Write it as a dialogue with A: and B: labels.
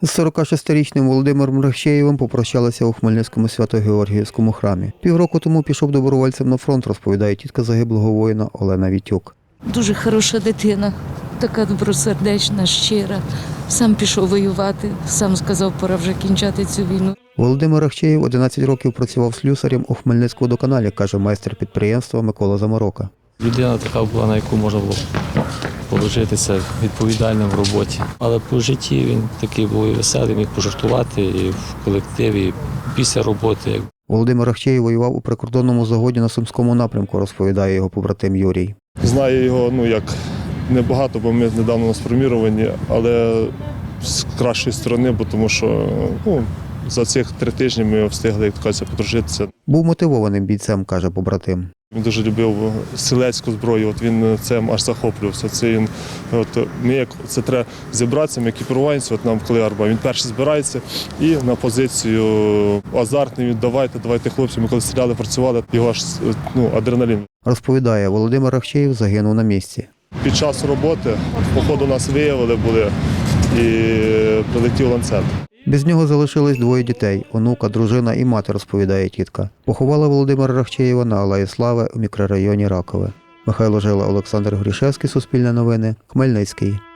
A: З 46-річним Володимиром Рахчеєвим попрощалися у Хмельницькому Свято-Георгіївському храмі. Півроку тому пішов добровольцем на фронт, розповідає тітка загиблого воїна Олена Вітюк.
B: Дуже хороша дитина, така добросердечна, щира. Сам пішов воювати, сам сказав, пора вже кінчати цю війну.
A: Володимир Рахчеєв 11 років працював слюсарем у Хмельницькводоканалі, каже майстер підприємства Микола Заморока.
C: Людина така була, на яку можна було положитися, відповідальним в роботі. Але по житті він такий був і веселий, міг пожартувати і в колективі, і після роботи.
A: Володимир Рахчеєв воював у прикордонному загоні на Сумському напрямку, розповідає його побратим Юрій.
D: Знаю його, як небагато, бо ми недавно насформіровані, але з кращої сторони, бо тому що за цих 3 тижні ми встигли, як кажуть, подружитися.
A: Був мотивованим бійцем, каже побратим.
D: Він дуже любив стрілецьку зброю, він цим аж захоплювався. Це треба зібратися, ми екіпіруванці, нам коли арба, він перший збирається і на позицію азартний, давайте хлопці, ми коли стріляли, працювали, його аж адреналін.
A: Розповідає, Володимир Рахчеєв загинув на місці.
D: Під час роботи, походу нас виявили і прилетів ланцет.
A: Без нього залишились 2 дітей – онука, дружина і мати, розповідає тітка. Поховала Володимира Рахчеєва на Алеї Слави у мікрорайоні Ракове. Михайло Жила, Олександр Грішевський, Суспільне новини, Хмельницький.